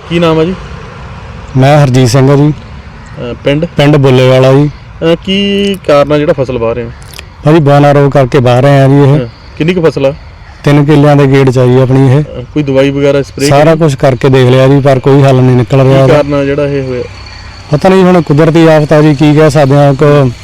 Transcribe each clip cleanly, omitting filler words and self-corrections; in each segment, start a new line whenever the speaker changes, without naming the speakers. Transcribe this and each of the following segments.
ਕੀ ਨਾਮ ਹੈ ਜੀ?
मैं हरजीत सिंह है जी। पिंड बुल्लेवाला जी।
ਕੀ ਕਾਰਨ ਆ ਜਿਹੜਾ ਫਸਲ ਵਾਹ ਰਹੇ ਹੋ?
भाजी बौना रोग करके बाहर हैं जी। ये
ਕਿੰਨੀ ਕੁ ਫਸਲ ਆ?
3 किल्लियां दे गेड़ चाहिए अपनी। ये
ਕੋਈ ਦਵਾਈ ਵਗੈਰਾ ਸਪਰੇਅ
सारा कुछ करके देख लिया जी, पर कोई हल नहीं निकल रहा।
ਕੀ ਕਾਰਨ ਆ ਜਿਹੜਾ ਇਹ ਹੋਇਆ?
पता नहीं हुण कुदरती आफत है जी, की कह सकते हैं।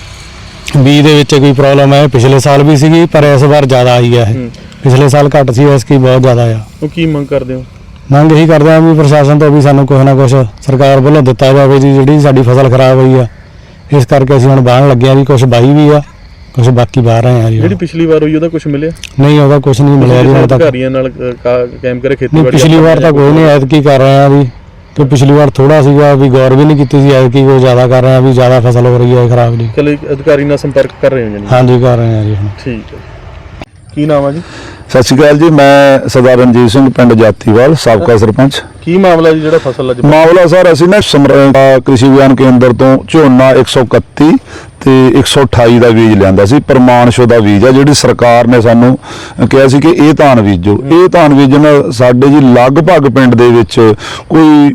को बीज दे विच कोई प्रॉब्लम है, पिछले साल भी सीगी पर इस बार ज़्यादा आई है। पिछले साल घट सी, इसकी बहुत ज़्यादा आ।
ਉਹ ਕੀ ਮੰਗ ਕਰਦੇ ਹੋ?
ਮੰਗ ਇਹੀ ਕਰਦੇ ਆ ਵੀ ਪ੍ਰਸ਼ਾਸਨ ਤੋਂ ਵੀ ਸਾਨੂੰ ਕੁਛ ਨਾ ਕੁਛ ਸਰਕਾਰ ਵੱਲੋਂ ਦਿੱਤਾ ਜਾਵੇ ਜੀ। ਜਿਹੜੀ ਸਾਡੀ ਫਸਲ ਖਰਾਬ ਹੋਈ ਆ, ਇਸ ਕਰਕੇ ਅਸੀਂ ਹੁਣ ਬਾਹਣ ਲੱਗੇ ਆ ਜੀ। ਕੁਛ ਬਾਈ ਵੀ ਆ, ਕੁਛ ਬਾਕੀ ਬਾਹਰ ਆਏ ਆ ਜੀ।
ਜਿਹੜੀ ਪਿਛਲੀ ਵਾਰ ਹੋਈ ਉਹਦਾ ਕੁਛ ਮਿਲਿਆ?
ਨਹੀਂ, ਉਹਦਾ ਕੁਛ ਨਹੀਂ ਮਿਲਿਆ ਜੀ ਹੁਣ ਤੱਕ।
ਅਧਿਕਾਰੀਆਂ ਨਾਲ ਕਾਇਮ ਕਰੇ ਖੇਤੀਬਾੜੀ?
ਪਿਛਲੀ ਵਾਰ ਤਾਂ ਕੋਈ ਨਹੀਂ, ਐਤਕੀ ਕਰ ਰਹੇ ਆ ਵੀ। ਕਿ ਪਿਛਲੀ ਵਾਰ ਥੋੜਾ ਸੀਗਾ ਵੀ, ਗੌਰ ਵੀ ਨਹੀਂ ਕੀਤੀ ਸੀ। ਐਤਕੀ ਕੋਈ ਜ਼ਿਆਦਾ ਕਰ ਰਹੇ ਆ ਵੀ, ਜ਼ਿਆਦਾ ਫਸਲ ਹੋ ਰਹੀ ਹੈ ਖਰਾਬ ਜੀ।
ਚਲੋ ਅਧਿਕਾਰੀ ਨਾਲ ਸੰਪਰਕ ਕਰ ਰਹੇ ਹੋ ਜੀ?
ਹਾਂਜੀ, ਕਰ ਰਹੇ ਆ ਜੀ ਹੁਣ।
ਠੀਕ ਹੈ। ਕੀ ਨਾਮ ਆ ਜੀ?
ਸਤਿ ਸ਼੍ਰੀ ਅਕਾਲ ਜੀ, ਮੈਂ ਸਰਦਾਰ ਰਣਜੀਤ ਸਿੰਘ, ਪਿੰਡ ਜਾਤੀਵਾਲ, ਸਾਬਕਾ ਸਰਪੰਚ।
ਕੀ ਮਾਮਲਾ ਜੀ ਜਿਹੜਾ ਫਸਲ ਅੱਜ?
ਮਾਮਲਾ ਸਰ, ਅਸੀਂ ਨਾ ਕ੍ਰਿਸ਼ੀ ਵਿਗਿਆਨ ਕੇਂਦਰ ਤੋਂ ਝੋਨਾ 131 ਤੇ 128 ਦਾ ਬੀਜ ਲਿਆਂਦਾ ਸੀ। ਪ੍ਰਮਾਣਸ਼ੁਦਾ ਦਾ ਬੀਜ ਆ, ਜਿਹੜੀ ਸਰਕਾਰ ਨੇ ਸਾਨੂੰ ਕਿਹਾ ਸੀ ਕਿ ਇਹ ਧਾਨ ਬੀਜੋ। ਇਹ ਧਾਨ ਬੀਜਣ ਸਾਡੇ ਜੀ ਲਗਭਗ ਪਿੰਡ ਦੇ ਵਿੱਚ ਕੋਈ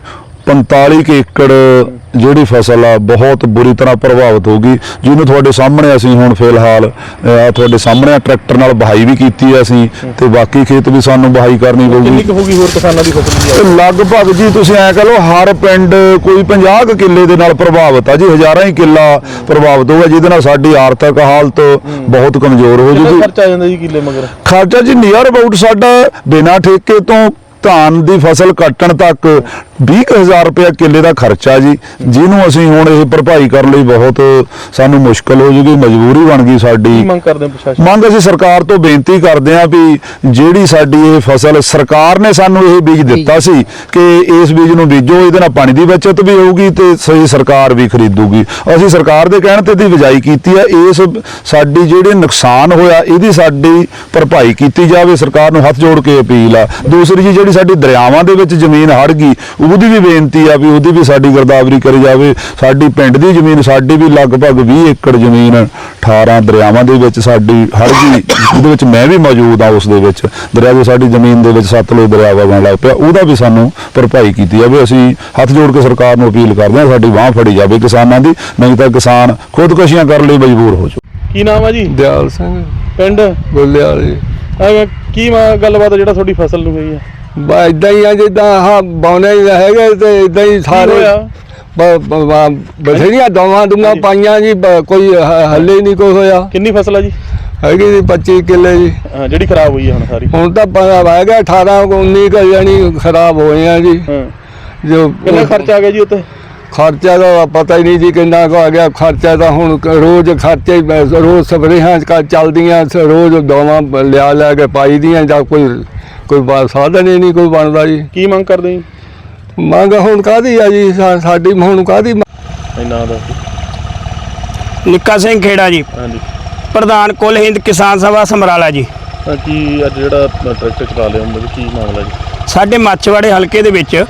45 ਏਕੜ ਜਿਹੜੀ ਫਸਲ ਆ ਬਹੁਤ ਬੁਰੀ ਤਰ੍ਹਾਂ ਪ੍ਰਭਾਵਿਤ ਹੋ ਗਈ, ਜਿਹਨੂੰ ਤੁਹਾਡੇ ਸਾਹਮਣੇ ਅਸੀਂ ਹੁਣ ਫਿਲਹਾਲ ਤੁਹਾਡੇ ਸਾਹਮਣੇ ਟਰੈਕਟਰ ਨਾਲ ਵਹਾਈ ਵੀ ਕੀਤੀ ਹੈ ਅਸੀਂ, ਤੇ ਬਾਕੀ ਖੇਤ ਵੀ ਸਾਨੂੰ ਵਹਾਈ ਕਰਨੀ ਪਊਗੀ।
ਕਿੰਨੀ ਕੁ ਹੋਗੀ ਹੋਰ ਕਿਸਾਨਾਂ ਦੀ ਫਸਲ?
ਲਗਭਗ ਜੀ ਤੁਸੀਂ ਐ ਕਹ ਲਓ ਹਰ ਪਿੰਡ ਕੋਈ 50 ਕਿੱਲੇ ਦੇ ਨਾਲ ਪ੍ਰਭਾਵਿਤ ਆ ਜੀ। ਹਜ਼ਾਰਾਂ ਹੀ ਕਿੱਲਾ ਪ੍ਰਭਾਵਿਤ ਹੋਊਗਾ, ਜਿਹਦੇ ਨਾਲ ਸਾਡੀ ਆਰਥਿਕ ਹਾਲਤ ਬਹੁਤ ਕਮਜ਼ੋਰ ਹੋ ਜੂਗੀ।
ਖਰਚਾ ਆ ਜਾਂਦਾ ਜੀ ਕਿੱਲੇ ਮਗਰ?
ਖਰਚਾ ਜੀ ਨੀਅਰ ਅਬਾਊਟ ਸਾਡਾ ਬਿਨਾਂ ਠੇਕੇ ਤੋਂ ਧਾਨ ਦੀ ਫਸਲ ਕੱਟਣ ਤੱਕ 20,000 ਰੁਪਇਆ ਕਿੱਲੇ ਦਾ ਖਰਚਾ ਜੀ, ਜਿਹਨੂੰ ਅਸੀਂ ਹੁਣ ਇਹ ਭਰਪਾਈ ਕਰਨ ਲਈ ਬਹੁਤ ਸਾਨੂੰ ਮੁਸ਼ਕਲ ਹੋ ਜੂਗੀ, ਮਜਬੂਰੀ ਬਣ ਗਈ ਸਾਡੀ।
ਮੰਗ ਕਰਦੇ ਪ੍ਰਸ਼ਾਸਨ?
ਮੰਗ ਅਸੀਂ ਸਰਕਾਰ ਤੋਂ ਬੇਨਤੀ ਕਰਦੇ ਹਾਂ ਵੀ ਜਿਹੜੀ ਸਾਡੀ ਇਹ ਫਸਲ, ਸਰਕਾਰ ਨੇ ਸਾਨੂੰ ਇਹ ਬੀਜ ਦਿੱਤਾ ਸੀ ਕਿ ਇਸ ਬੀਜ ਨੂੰ ਬੀਜੋ, ਇਹਦੇ ਨਾਲ ਪਾਣੀ ਦੀ ਬਚਤ ਵੀ ਹੋਊਗੀ ਤੇ ਸਹੀ ਸਰਕਾਰ ਵੀ ਖਰੀਦੂਗੀ। ਅਸੀਂ ਸਰਕਾਰ ਦੇ ਕਹਿਣ ਤੇ ਦੀ ਬਿਜਾਈ ਕੀਤੀ ਹੈ। ਇਸ ਸਾਡੀ ਜਿਹੜੇ ਨੁਕਸਾਨ ਹੋਇਆ ਇਹਦੀ ਸਾਡੀ ਭਰਪਾਈ ਕੀਤੀ ਜਾਵੇ, ਸਰਕਾਰ ਨੂੰ ਹੱਥ ਜੋੜ ਕੇ ਅਪੀਲ ਆ। ਦੂਸਰੀ ਜੀ, ਜਿਹੜੀ ਸਾਡੀ ਦਰਿਆਵਾਂ ਦੇ ਵਿੱਚ ਜ਼ਮੀਨ ਹੜ ਗਈ, ਉਹਦੀ ਵੀ ਬੇਨਤੀ ਆ ਵੀ ਉਹਦੀ ਵੀ ਸਾਡੀ ਗਿਰਦਾਵਰੀ ਕਰੀ ਜਾਵੇ। ਸਾਡੀ ਪਿੰਡ ਦੀ ਜ਼ਮੀਨ, ਸਾਡੀ ਵੀ ਲਗਭਗ 20 ਏਕੜ ਜ਼ਮੀਨ 18 ਦਰਿਆਵਾਂ ਦੇ ਵਿੱਚ ਸਾਡੀ ਹੜ ਗਈ, ਜਿਹਦੇ ਵਿੱਚ ਮੈਂ ਵੀ ਮੌਜੂਦ ਆ। ਉਸ ਦੇ ਵਿੱਚ ਦਰਿਆ ਦੇ ਸਾਡੀ ਜ਼ਮੀਨ ਦੇ ਵਿੱਚ ਸਤਲੁਜ ਦਰਿਆ ਵਗਣ ਲੱਗ ਪਿਆ, ਉਹਦਾ ਵੀ ਸਾਨੂੰ ਭਰਪਾਈ ਕੀਤੀ ਜਾਵੇ। ਅਸੀਂ ਹੱਥ ਜੋੜ ਕੇ ਸਰਕਾਰ ਨੂੰ ਅਪੀਲ ਕਰਦੇ ਹਾਂ, ਸਾਡੀ ਬਾਂਹ ਫੜੀ ਜਾਵੇ ਕਿਸਾਨਾਂ ਦੀ, ਨਹੀਂ ਤਾਂ ਕਿਸਾਨ ਖੁਦਕੁਸ਼ੀਆਂ ਕਰਨ ਲਈ ਮਜਬੂਰ ਹੋ ਜਾਊ।
ਕੀ ਨਾਮ ਆ ਜੀ?
ਦਿਆਲ ਸਿੰਘ,
ਪਿੰਡ
ਬੁੱਲੇਵਾਲ ਜੀ।
ਕੀ ਗੱਲਬਾਤ ਜਿਹੜਾ ਤੁਹਾਡੀ ਫਸਲ ਨੂੰ ਹੋਈ ਆ?
ਬਸ ਇਦਾਂ ਹੀ ਆ, ਜਿੱਦਾਂ ਆਹ ਬੌਨੇ ਹੈਗੇ ਤੇ ਇਦਾਂ ਹੀ ਸਾਰੇ ਬਥੇਰੀਆਂ ਦਵਾਂ ਦੁੰਗਾ ਪਾਈਆਂ ਜੀ, ਕੋਈ ਹੱਲੇ ਹੀ ਨਹੀਂ ਕੋਈ ਹੋਇਆ।
ਕਿੰਨੀ ਫਸਲ ਆ ਜੀ?
ਹੈਗੀ ਜੀ 25 ਕਿੱਲੇ ਜੀ।
ਜਿਹੜੀ ਖਰਾਬ ਹੋਈ ਆ ਹੁਣ ਸਾਰੀ?
ਹੁਣ ਤਾਂ ਹੈਗਾ 18-19 ਜਾਨੀ ਖਰਾਬ ਹੋਏ ਆ ਜੀ।
ਜੋ ਕਿੰਨਾ ਖਰਚਾ ਆ ਗਿਆ ਜੀ ਉੱਤੇ?
ਖਰਚਾ ਦਾ ਪਤਾ ਹੀ ਨਹੀਂ ਜੀ ਕਿੰਨਾ ਕੁ ਆ ਗਿਆ ਖਰਚਾ। ਤਾਂ ਹੁਣ ਰੋਜ਼ ਖਰਚੇ, ਰੋਜ਼ ਸਪਰੇਹਾਂ ਚੱਲਦੀਆਂ, ਰੋਜ਼ ਦਵਾਂ ਲਿਆ ਕੇ ਪਾਈ ਦੀਆਂ, ਜਾਂ ਕੋਈ ਸਾਧਨ ਹੀ ਨਹੀਂ ਕੋਈ ਬਣਦਾ ਜੀ।
ਕੀ ਮੰਗ ਕਰਦੇ ਜੀ?
ਮੰਗ ਹੁਣ ਕਾਹਦੀ ਆ ਜੀ ਸਾਡੀ, ਹੁਣ ਕਾਹਦੀ?
ਨਾਂ ਦਾ
ਨਿੱਕਾ ਸਿੰਘ ਖੇੜਾ ਜੀ,
ਹਾਂਜੀ,
ਪ੍ਰਧਾਨ ਕੁੱਲ ਹਿੰਦ ਕਿਸਾਨ ਸਭਾ ਸਮਰਾਲਾ ਜੀ।
ਕੀ ਅੱਜ ਜਿਹੜਾ ਟਰੈਕਟਰ ਚਲਾ ਲਿਆ ਹੁੰਦਾ, ਕੀ ਮਾਮਲਾ ਜੀ?
ਸਾਡੇ ਮਾਛੀਵਾੜੇ ਹਲਕੇ ਦੇ ਵਿੱਚ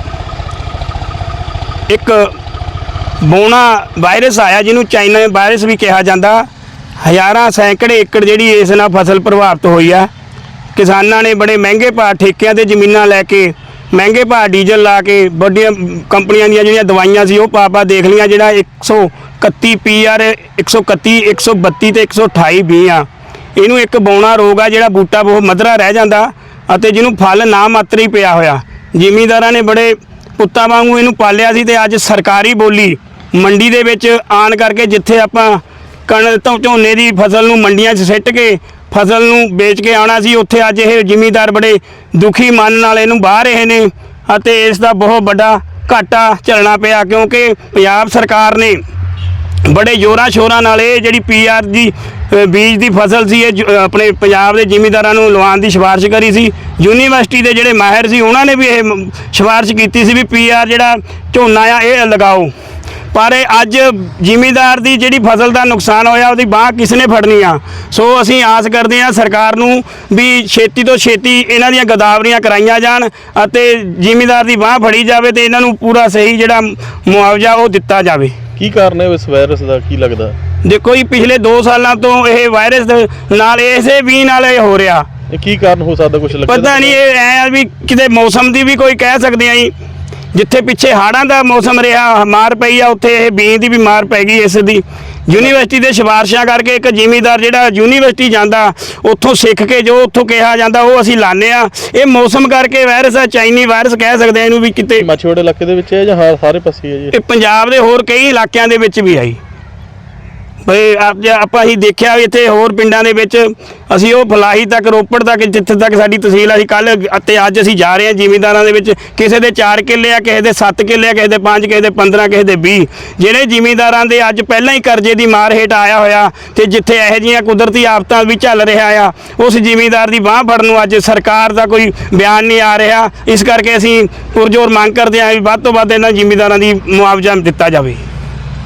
ਇੱਕ ਬੋਨਾ ਵਾਇਰਸ ਆਇਆ, ਜਿਹਨੂੰ ਚਾਈਨਾ ਵਾਇਰਸ ਵੀ ਕਿਹਾ ਜਾਂਦਾ। ਹਜ਼ਾਰਾਂ ਸੈਂਕੜੇ ਏਕੜ ਜਿਹੜੀ ਇਸ ਨਾਲ ਫਸਲ ਪ੍ਰਭਾਵਿਤ ਹੋਈ ਆ। ਕਿਸਾਨਾਂ ਨੇ ਬੜੇ ਮਹਿੰਗੇ ਭਾਅ ਠੇਕਿਆਂ 'ਤੇ ਜ਼ਮੀਨਾਂ ਲੈ ਕੇ, ਮਹਿੰਗੇ ਭਾਅ ਡੀਜ਼ਲ ਲਾ ਕੇ, ਵੱਡੀਆਂ ਕੰਪਨੀਆਂ ਦੀਆਂ ਜਿਹੜੀਆਂ ਦਵਾਈਆਂ ਸੀ ਉਹ ਪਾ ਦੇਖ ਲਈਆਂ। ਜਿਹੜਾ 131 PR 131, 132 ਤੇ 128 ਵੀ ਆ, ਇਹਨੂੰ ਇੱਕ ਬੌਣਾ ਰੋਗ ਆ ਜਿਹੜਾ ਬੂਟਾ ਬਹੁਤ ਮਧਰਾ ਰਹਿ ਜਾਂਦਾ ਅਤੇ ਜਿਹਨੂੰ ਫਲ ਨਾ ਮਾਤਰ ਹੀ ਪਿਆ ਹੋਇਆ। ਜ਼ਿਮੀਂਦਾਰਾਂ ਨੇ ਬੜੇ ਪੁੱਤਾਂ ਵਾਂਗੂ ਇਹਨੂੰ ਪਾਲਿਆ ਸੀ, ਤੇ ਅੱਜ ਸਰਕਾਰੀ ਬੋਲੀ ਮੰਡੀ ਦੇ ਵਿੱਚ ਆਣ ਕਰਕੇ, ਜਿੱਥੇ ਆਪਾਂ ਕਣਕ ਤੋਂ ਝੋਨੇ ਦੀ ਫਸਲ ਨੂੰ ਮੰਡੀਆਂ 'ਚ ਸਿੱਟ ਕੇ ਫਸਲ ਨੂੰ ਵੇਚ ਕੇ ਆਉਣਾ ਸੀ, ਉੱਥੇ ਅੱਜ ਇਹ ਜ਼ਿਮੀਂਦਾਰ ਬੜੇ ਦੁਖੀ ਮਨ ਨਾਲ ਇਹਨੂੰ ਬਾਹਰ ਰਹੇ ਨੇ ਅਤੇ ਇਸ ਦਾ ਬਹੁਤ ਵੱਡਾ ਘਾਟਾ ਝੱਲਣਾ ਪਿਆ। ਕਿਉਂਕਿ ਪੰਜਾਬ ਸਰਕਾਰ ਨੇ ਬੜੇ ਜ਼ੋਰਾਂ ਸ਼ੋਰਾਂ ਨਾਲ ਇਹ ਜਿਹੜੀ PR ਦੀ ਬੀਜ ਦੀ ਫਸਲ ਸੀ, ਇਹ ਆਪਣੇ ਪੰਜਾਬ ਦੇ ਜ਼ਿਮੀਂਦਾਰਾਂ ਨੂੰ ਲਵਾਉਣ ਦੀ ਸਿਫਾਰਿਸ਼ ਕਰੀ ਸੀ। ਯੂਨੀਵਰਸਿਟੀ ਦੇ ਜਿਹੜੇ ਮਾਹਿਰ ਸੀ ਉਹਨਾਂ ਨੇ ਵੀ ਇਹ ਸਿਫਾਰਿਸ਼ ਕੀਤੀ ਸੀ ਵੀ PR ਜਿਹੜਾ ਝੋਨਾ ਆ ਇਹ ਲਗਾਓ। ਪਰ ਅੱਜ ਜ਼ਿਮੀਂਦਾਰ ਦੀ ਜਿਹੜੀ ਫਸਲ ਦਾ ਨੁਕਸਾਨ ਹੋਇਆ, ਉਹਦੀ ਬਾਂਹ ਕਿਸ ਨੇ ਫੜਨੀ ਆ? ਸੋ ਅਸੀਂ ਆਸ ਕਰਦੇ ਹਾਂ ਸਰਕਾਰ ਨੂੰ ਵੀ ਛੇਤੀ ਤੋਂ ਛੇਤੀ ਇਹਨਾਂ ਦੀਆਂ ਗਦਾਵਰੀਆਂ ਕਰਾਈਆਂ ਜਾਣ ਅਤੇ ਜ਼ਿਮੀਂਦਾਰ ਦੀ ਬਾਂਹ ਫੜੀ ਜਾਵੇ ਤੇ ਇਹਨਾਂ ਨੂੰ ਪੂਰਾ ਸਹੀ ਜਿਹੜਾ ਮੁਆਵਜ਼ਾ ਉਹ ਦਿੱਤਾ ਜਾਵੇ।
ਕੀ ਕਾਰਨ ਹੈ ਇਸ ਵਾਇਰਸ ਦਾ, ਕੀ ਲੱਗਦਾ?
ਦੇਖੋ ਜੀ, ਪਿਛਲੇ 2 ਸਾਲਾਂ ਤੋਂ ਇਹ ਵਾਇਰਸ ਨਾਲ, ਇਸੇ ਵੀ ਨਾਲ ਇਹ ਹੋ ਰਿਹਾ।
ਕੀ ਕਾਰਨ ਹੋ ਸਕਦਾ, ਕੁਝ ਲੱਗਦਾ?
ਪਤਾ ਨਹੀਂ, ਇਹ ਐ ਵੀ ਕਿਤੇ ਮੌਸਮ ਦੀ ਵੀ ਕੋਈ ਕਹਿ ਸਕਦੇ ਆ ਜੀ। ਜਿੱਥੇ ਪਿੱਛੇ ਹਾੜਾਂ ਦਾ ਮੌਸਮ ਰਿਹਾ, ਮਾਰ ਪਈ ਆ, ਉੱਥੇ ਇਹ ਬੀਜ ਦੀ ਵੀ ਮਾਰ ਪੈ ਗਈ ਇਸ ਦੀ। ਯੂਨੀਵਰਸਿਟੀ ਦੇ ਸਿਫਾਰਸ਼ਾਂ ਕਰਕੇ ਇੱਕ ਜ਼ਿਮੀਂਦਾਰ ਜਿਹੜਾ ਯੂਨੀਵਰਸਿਟੀ ਜਾਂਦਾ ਉੱਥੋਂ ਸਿੱਖ ਕੇ ਜੋ ਉੱਥੋਂ ਕਿਹਾ ਜਾਂਦਾ ਉਹ ਅਸੀਂ ਲਾਉਂਦੇ ਆ। ਇਹ ਮੌਸਮ ਕਰਕੇ ਵਾਇਰਸ ਆ, ਚਾਈਨੀ ਵਾਇਰਸ ਕਹਿ ਸਕਦੇ ਆ ਇਹਨੂੰ ਵੀ। ਕਿਤੇ
ਮਾਛੀਵਾੜਾ ਇਲਾਕੇ ਦੇ ਵਿੱਚ ਹੈ ਜਾਂ ਹਾਂ ਸਾਰੇ ਪਾਸੇ ਹੈ ਜੀ?
ਇਹ ਪੰਜਾਬ ਦੇ ਹੋਰ ਕਈ ਇਲਾਕਿਆਂ ਦੇ ਵਿੱਚ ਵੀ ਆਈ ਬਈ ਆਪਾਂ ਅਸੀਂ ਦੇਖਿਆ ਵੀ ਇੱਥੇ ਹੋਰ ਪਿੰਡਾਂ ਦੇ ਵਿੱਚ ਅਸੀਂ ਉਹ ਫਲਾਹੀ ਤੱਕ, ਰੋਪੜ ਤੱਕ, ਜਿੱਥੇ ਤੱਕ ਸਾਡੀ ਤਹਿਸੀਲ, ਅਸੀਂ ਕੱਲ ਅਤੇ ਅੱਜ ਅਸੀਂ ਜਾ ਰਹੇ ਹਾਂ ਜ਼ਿਮੀਂਦਾਰਾਂ ਦੇ ਵਿੱਚ। ਕਿਸੇ ਦੇ 4 ਕਿੱਲੇ ਆ, ਕਿਸੇ ਦੇ 7 ਕਿੱਲੇ ਆ, ਕਿਸੇ ਦੇ 5, ਕਿਸੇ ਦੇ 15, ਕਿਸੇ ਦੇ 20। ਜਿਹੜੇ ਜ਼ਿਮੀਂਦਾਰਾਂ ਦੇ ਅੱਜ ਪਹਿਲਾਂ ਹੀ ਕਰਜ਼ੇ ਦੀ ਮਾਰ ਹੇਠ ਆਇਆ ਹੋਇਆ ਤੇ ਜਿੱਥੇ ਇਹੋ ਜਿਹੀਆਂ ਕੁਦਰਤੀ ਆਫਤਾਂ ਵੀ ਚੱਲ ਰਿਹਾ ਆ, ਉਸ ਜ਼ਿਮੀਂਦਾਰ ਦੀ ਬਾਂਹ ਫੜਨ ਨੂੰ ਅੱਜ ਸਰਕਾਰ ਦਾ ਕੋਈ ਬਿਆਨ ਨਹੀਂ ਆ ਰਿਹਾ। ਇਸ ਕਰਕੇ ਅਸੀਂ ਪੁਰਜ਼ੋਰ ਮੰਗ ਕਰਦੇ ਹਾਂ ਵੀ ਵੱਧ ਤੋਂ ਵੱਧ ਇਹਨਾਂ ਜ਼ਿਮੀਂਦਾਰਾਂ ਦੀ ਮੁਆਵਜ਼ਾ ਦਿੱਤਾ ਜਾਵੇ।